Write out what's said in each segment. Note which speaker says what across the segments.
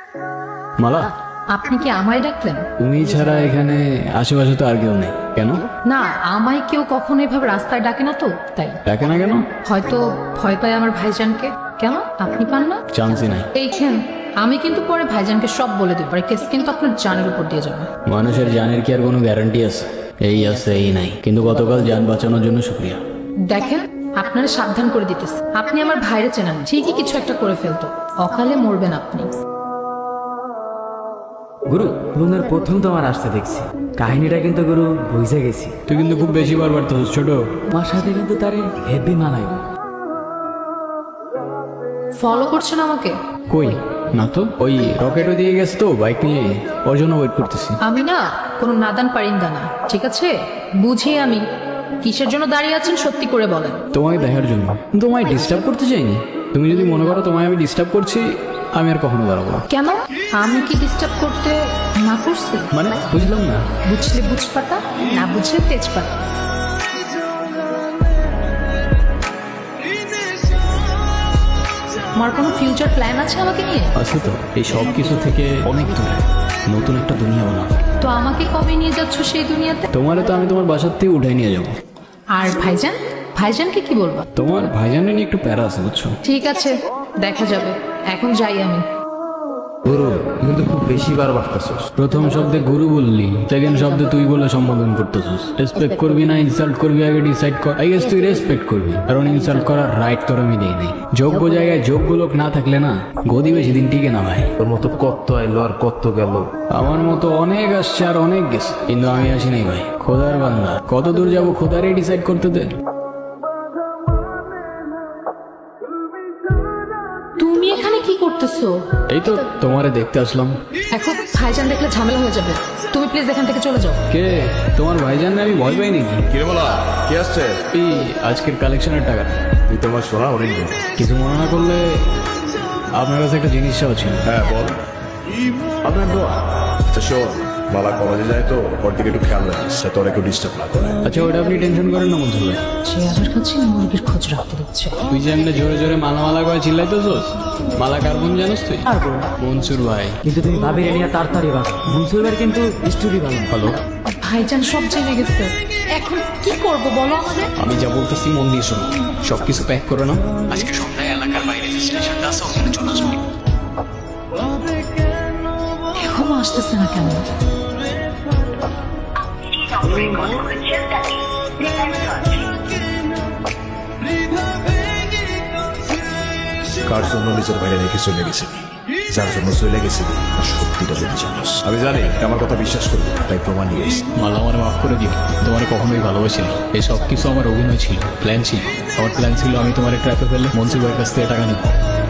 Speaker 1: মালা,
Speaker 2: আপনি কি আমায় ডাকলেন?
Speaker 1: তুমি ছাড়া এখানে আশেপাশে তো আর কেউ নেই। কেন
Speaker 2: না, আমায় কেউ কখনো এভাবে রাস্তায় ডাকে না তো, তাই।
Speaker 1: ডাকে না কেন?
Speaker 2: হয়তো ভয় পায় আমার ভাইজানকে। কেন, আপনি পান না?
Speaker 1: চান্সই নাই।
Speaker 2: এইখান আমি কিন্তু পরে ভাইজানকে সব বলে দেবো, আর কেস কিন্তু আপনার জানের উপর দিয়ে যাবে।
Speaker 1: মানুষের জানের কি আর কোনো গ্যারান্টি আছে? এই আছে এই নাই, কিন্তু গতকাল জান বাঁচানোর জন্য শুক্রিয়া।
Speaker 2: দেখেন, আপনারা সাবধান করে দিতেছে। আপনি আমার ভাইরে চেনেন, ঠিকই কিছু একটা করে ফেলতো, অকালে মরবেন আপনি।
Speaker 3: গুরু, পুরনের প্রথম তোমার আসতে দেখছি। কাহিনীটা কিন্তু গুরু বুঝে গেছি।
Speaker 1: তুই কিন্তু খুব বেশি বারবার তো ছোট।
Speaker 3: তোমার সাথে কিন্তু তারে হেভি মানাই।
Speaker 2: ফলো করছেন আমাকে?
Speaker 1: কই না তো, ওই রকেটও দিয়ে গেছে তো বাইক নিয়ে, ওর জন্য ওয়েট করতেছি।
Speaker 2: আমি না কোনো নাদান পারিন্দা না, ঠিক আছে? বুঝি আমি কিসের জন্য দাঁড়িয়ে আছেন সত্যি করে বলেন।
Speaker 1: তোমাকে দেখার জন্য, তোমায় ডিস্টার্ব করতে চাইনি। তুমি যদি মনে করো তোমায় আমি ডিস্টার্ব করছি, আমি আর কখনো দাঁড়াবো না।
Speaker 2: কেন, আমি কি ডিস্টার্ব করতে না করছি?
Speaker 1: মানে বুঝলাম না।
Speaker 2: বুঝলে বুঝপাতা, না বুঝলে তেজপাতা। আমার কোনো ফিউচার প্ল্যান আছে আমাকে নিয়ে?
Speaker 1: আছে তো, এই সব কিছু থেকে অনেক দূরে নতুন একটা দুনিয়া বানাবো।
Speaker 2: তো আমাকে কবে নিয়ে যাচ্ছ সেই দুনিয়াতে?
Speaker 1: তোমারে তো আমি তোমার বাসার থেকে উঠাই নিয়ে যাবো।
Speaker 2: আর ভাইজান, ভাইজানকে কি বলবো?
Speaker 1: তোমার ভাইজানের নিয়ে একটু প্যারা আছে বুঝছো।
Speaker 2: ঠিক আছে, দেখা যাবে। এখন যাই আমি।
Speaker 4: গুরু কিন্তু খুব বেশি বার বাড়তেছস।
Speaker 1: প্রথম শব্দে গুরু বললি, সেকেন্ড শব্দে তুই বলে সম্বোধন করতেছিস। রেসপেক্ট করবি না ইনসাল্ট করবি, আগে ডিসাইড কর। আই গেস তুই রেসপেক্ট করবি, কারণ ইনসাল্ট করার রাইট তোর আমি দেই নাই। যোগ্য জায়গায় যোগ্য লোক না থাকলে না গদি বেশি দিন টিকে না ভাই।
Speaker 4: তোর মতো কত আইলো আর কত গেল।
Speaker 1: আমার মতো অনেক আসছে আর অনেক গেছে, কিন্তু আমি আসি নাই ভাই। খোদার বান্দা, কত দূর যাবো খোদারই ডিসাইড করতে দে।
Speaker 2: তুমি এখানে কি করতেছো?
Speaker 1: এই তো তোমারে দেখতে আসলাম।
Speaker 2: এখন ভাইজান দেখলে ঝামেলা হয়ে যাবে, তুমি প্লিজ এখান থেকে চলে যাও।
Speaker 1: কে তোমার ভাইজান? আমি ভয় পাই নাকি?
Speaker 4: কিরে বলা, কি আসছে?
Speaker 1: এই আজকের কালেকশনের টাকা।
Speaker 4: তুই তোমার সোনা হরিণ।
Speaker 1: কিছু মনে না করলে আপনার কাছে একটা জিনিস চাওয়া ছিল।
Speaker 4: হ্যাঁ বল।
Speaker 1: আপনার দোয়া।
Speaker 4: আচ্ছা শোন, মালা কলেজে যায় তো, ওর দিকে একটু খেয়াল রাখিস, যাতে ওরা কেউ ডিস্টার্ব না করে।
Speaker 1: আচ্ছা ওটা আপনি টেনশন করেন না মনসুর ভাই।
Speaker 2: সে আমার কাছে মুরগির খোঁজ রাখতে দিচ্ছে।
Speaker 1: তুই যে এমনি জোরে জোরে মালা মালা করে চিল্লাইতেছস, মালা কার বোন জানোস তুই?
Speaker 3: আর বলো,
Speaker 1: মনসুর ভাই।
Speaker 3: কিন্তু তুমি ভাবিরে নিয়ে তাড়াতাড়ি ভাগ। মুন্সুরবার কিন্তু স্টোরি ভালো।
Speaker 1: হ্যালো,
Speaker 2: ভাইজান সব জেনে গেছে, এখন কি করব বলো আমাদের?
Speaker 1: আমি যা বলতেছি মন দিয়ে শোনো। সবকিছু প্যাক করে না, আজকে সন্ধ্যায় এলাকার বাইরে যে স্টেশনটা আছে ওখানে চলে আসবো।
Speaker 2: এখনো আসতেছে না কেন?
Speaker 4: কার জন্য নিজের বাইরে রেখে চলে গেছিলি, যার জন্য চলে গেছিলি তার সত্যিটা যদি জানোস। আমি জানি আমার কথা বিশ্বাস করবি, তাই প্রমাণ নিয়ে এসেছি।
Speaker 1: মালা আমার মাফ করে দিও, তোমার কখনোই ভালোবাসি না। এই সব কিছু আমার অভিনয় ছিল, প্ল্যান ছিল। আমার প্ল্যান ছিল আমি তোমার ট্র্যাপে ফেলে মনসুর ভাইয়ের কাছ থেকে টাকা নেব।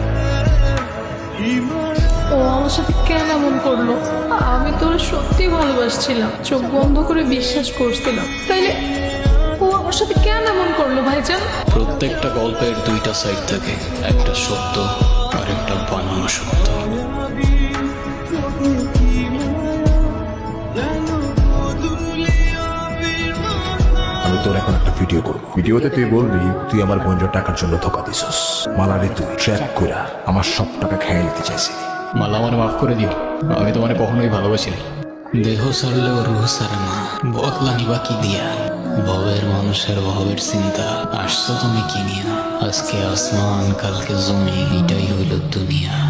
Speaker 2: ও আমার সাথে কেন এমন করলো? আমি তোর সত্যি ভালোবাসছিলাম, চোখ বন্ধ করে বিশ্বাস করছিলাম, তাইলে ও আমার সাথে কেন এমন করলো ভাইজান?
Speaker 1: প্রত্যেকটা গল্পের দুইটা সাইড থাকে, একটা সত্য আর একটা বানানো সত্য।
Speaker 4: আমি তোর এখন একটা ভিডিও করবো। ভিডিওতে তুই বলবি তুই আমার বোনের টাকার জন্য ধোকা দিছস। মালারে তুই ট্র্যাপ কইরা আমার সব টাকা খেয়ে নিতে চাইছিলি।
Speaker 1: মালা আমার মাফ করে দিও, আমি তোমার কখনোই ভালোবাসি না। দেহ সারলেও রুহ সারে না, বদলানি বাকি দিয়া। ভবের মানুষের ভবের চিন্তা, আসছো তুমি কি নিয়া? আজকে আসমান কালকে জমি, এটাই হইল দুনিয়া।